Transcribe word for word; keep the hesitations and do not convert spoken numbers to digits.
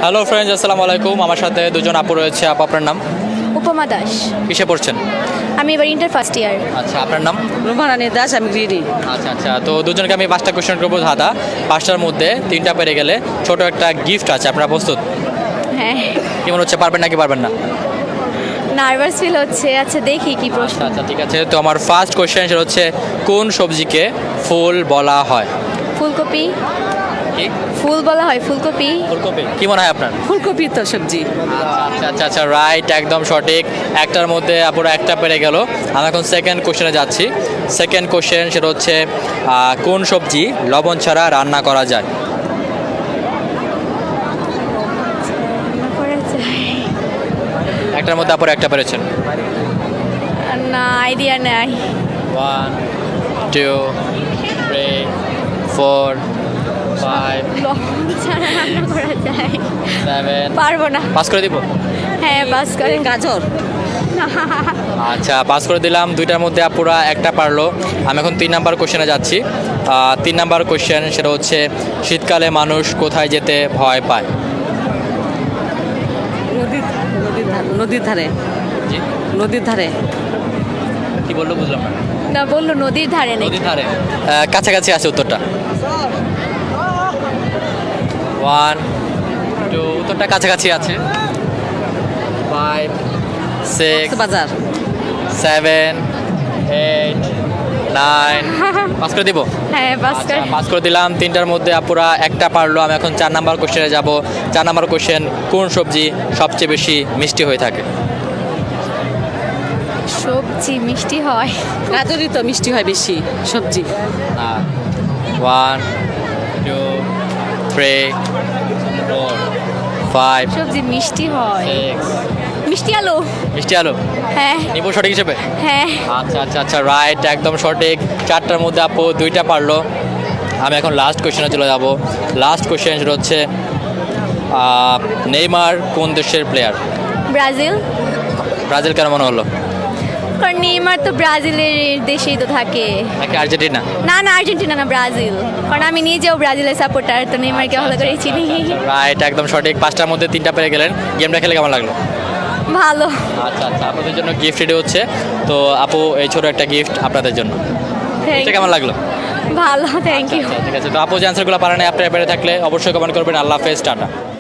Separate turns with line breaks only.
Hello friends, আসসালামু আলাইকুম। আমার সাথে দুজন আপু রয়েছে। আপু, আপনার নাম?
উপমা দাস।
কিসে পড়ছেন?
আমি এবার ইন্টার ফার্স্ট ইয়ার।
আচ্ছা, আপনার নাম?
রুমারানি দাস, আমি গ্রিডি।
আচ্ছা আচ্ছা তো দুজনকে আমি পাঁচটা কোশ্চেন করবো ধাঁধা। পাঁচটার মধ্যে তিনটা পেরে গেলে ছোট একটা গিফট আছে। আপনারা প্রস্তুত?
হ্যাঁ,
কেমন হচ্ছে, পারবেন নাকি পারবেন না?
নার্ভাস ফিল হচ্ছে। আচ্ছা, দেখি কি প্রশ্ন।
আচ্ছা আচ্ছা ঠিক আছে। তো আমার ফার্স্ট কোশ্চেন সেটা হচ্ছে, কোন সবজিকে ফুল বলা হয়?
ফুলকপি।
কি?
ফুল বলা হয় ফুলকপি।
ফুলকপি। কি মনে হয় আপনার?
ফুলকপি তো সবজি।
আচ্ছা আচ্ছা আচ্ছা রাইট, একদম সঠিক। একটার মধ্যে আপুরা একটা পেরে গেল। আমি এখন সেকেন্ড কোশ্চেনে যাচ্ছি। সেকেন্ড কোশ্চেন সেটা হচ্ছে, আহ, কোন সবজি লবণ ছাড়া রান্না করা যায়?
রান্না করা যায়?
একটার মধ্যে আপুরা একটা পেরেছেন।
না, আইডিয়া নাই।
One, two, three, four, five,
লবণ ছাড়া রান্না করা যায়?
সেভেন।
পারবো না।
পাস করে দিব?
হ্যাঁ, বাস করে।
গাজর।
আচ্ছা, পাস করে দিলাম। দুইটার মধ্যে আপুরা একটা পারলো। আমি এখন তিন নাম্বার কোশ্চেনে যাচ্ছি। আহ, তিন নাম্বার কোশ্চেন সেটা হচ্ছে, শীতকালে মানুষ কোথায় যেতে ভয় পায়?
নদীর নদীর ধারে নদীর ধারে
জি?
নদীর ধারে
কি বললো বুঝলাম না।
না, বললো নদীর ধারে নেই।
নদীর ধারে। আহ, কাছাকাছি আছে উত্তরটা। ওয়ান, টু, উত্তরটা কাছাকাছি আছে। ফাইভ, সিক্স,
বাজার।
Seven, eight, nine. পাস করে দিব?
হ্যাঁ, বাস
আচ্ছা,
করে।
পাস করে দিলাম। তিনটার মধ্যে আপুরা একটা পারলো। আমি এখন চার নাম্বার কোশ্চেনে যাব। চার নাম্বার কোশ্চেন, কোন সবজি সবচেয়ে বেশি মিষ্টি হয়ে থাকে?
সবজি মিষ্টি হয়?
গাজরই তো মিষ্টি হয় বেশি সবজি।
One, two, three, four, five,
সবজি মিষ্টি হয়?
সিক্স।
মিষ্টি আলু।
মিষ্টি আলু?
হ্যাঁ
নিব সঠিক হিসেবে?
হ্যাঁ।
আচ্ছা আচ্ছা আচ্ছা রাইট, একদম সঠিক। চারটার মধ্যে আপু দুইটা পারলো। আমি এখন লাস্ট কোশ্চেনে চলে যাব। লাস্ট কোশ্চেন সেটা হচ্ছে, আহ, নেইমার কোন দেশের প্লেয়ার?
ব্রাজিল।
ব্রাজিল কেন মনে হলো?
কারণ নেইমার তো ব্রাজিলের দেশেই তো থাকে।
নাকি আর্জেন্টিনা?
না না, আর্জেন্টিনা না, ব্রাজিল। কারণ আমি নিজেও ব্রাজিলের সাপোর্টার, তো নেইমারকে ভালো করে চিনি।
রাইট, একদম সঠিক। পাঁচটার মধ্যে তিনটা পেরে গেলেন। গেমটা খেলে কেমন লাগলো?
ভালো।
আচ্ছা আচ্ছা আপনাদের জন্য গিফট রেডি হচ্ছে। তো আপু, এই ছোট একটা গিফট আপনাদের জন্য।
Thank
এটা কেমন লাগলো?
you. ভালো, থ্যাংক ইউ।
ঠিক আছে। তো আপু যে অ্যান্সারগুলো পারেন, আপনারা পেরে থাকলে অবশ্যই কমেন্ট করবেন। আল্লাহ হাফেজ, টাটা।